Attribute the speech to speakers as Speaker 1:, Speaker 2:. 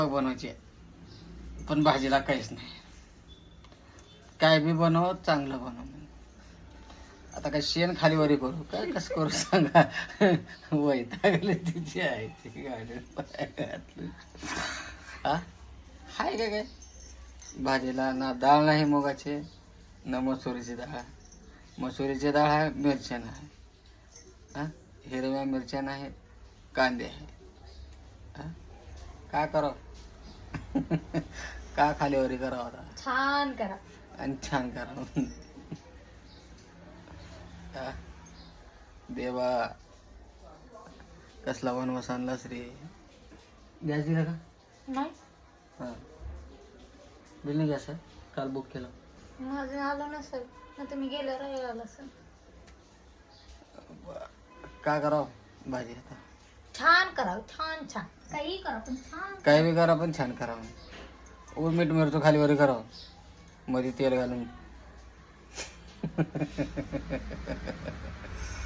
Speaker 1: बनवायचे पण भाजीला काहीच नाही. काय बी बनव, चांगलं बनव. आता काय शेण खाली वरी करू काय, कसं करू सांगा. वैतागले तिची आहे ती गाडी घातली. हा हाय काय काय भाजीला ना डाळ नाही मुगाचे, ना मसुरीची डाळ. मसुरीची डाळ आहे, मिरच्या नाही. हा हिरव्या मिरच्या नाही, कांदे आहे. हा काय करावं. का खालीवरी करावं आता.
Speaker 2: छान करा.
Speaker 1: आणि छान करावं. हा. देवा कसला वनवास आणलास रे. गॅस दिला का?
Speaker 2: नाही
Speaker 1: हां बिल नाही गॅस आहे, काल बुक केलं.
Speaker 2: माझं आलं नसेल ना, तुम्ही गेलं राहिलं आलं असेल.
Speaker 1: काय करावं भाजी आता.
Speaker 2: छान करा, छान छान काही करा पण छान.
Speaker 1: काय बी करा पण छान करावं. मीठ मिरचो खालीवरी करावं, मध्ये तेल घालून.